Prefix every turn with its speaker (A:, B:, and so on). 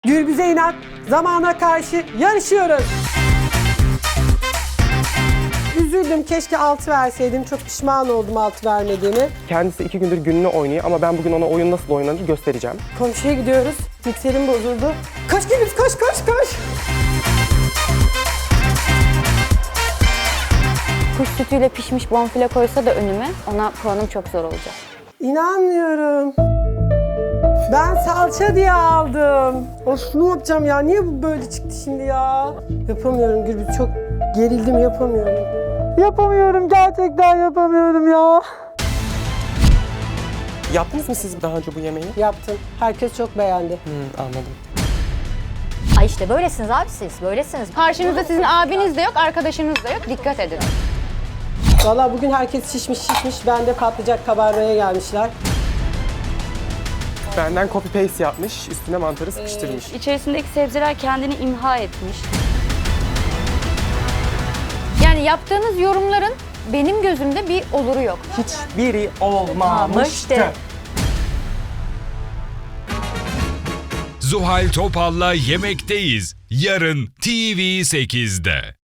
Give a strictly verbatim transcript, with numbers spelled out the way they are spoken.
A: Gürbüz'e inat, zamana karşı yarışıyoruz. Üzüldüm, keşke altı verseydim. Çok pişman oldum altı vermediğimi.
B: Kendisi iki gündür gününü oynuyor ama ben bugün ona oyun nasıl oynanır göstereceğim.
A: Komşuya gidiyoruz. Mikserim bozuldu. Koş Gürbüz, koş koş koş.
C: Kuş sütüyle pişmiş bonfile koysa da önüme, ona puanım çok zor olacak.
A: İnanmıyorum. Ben salça diye aldım. Of, ne yapacağım ya? Niye bu böyle çıktı şimdi ya? Yapamıyorum Gürbüz, çok gerildim, yapamıyorum. Yapamıyorum, gerçekten yapamıyorum ya.
B: Yaptınız mı siz daha önce bu yemeği?
A: Yaptım. Herkes çok beğendi.
B: Hı, anladım.
D: Ay işte böylesiniz abi siz, böylesiniz.
C: Karşınızda sizin abiniz de yok, arkadaşınız da yok. Dikkat edin.
A: Vallahi bugün herkes şişmiş şişmiş. Ben de patlayacak kabarmaya gelmişler.
B: Benden copy paste yapmış, üstüne mantarı sıkıştırmış.
C: İçerisindeki sebzeler kendini imha etmiş. Yani yaptığınız yorumların benim gözümde bir oluru yok.
B: Hiçbiri olmamıştı.
D: Olmamıştı.
E: Zuhal Topal'la Yemekteyiz. Yarın T V sekizde.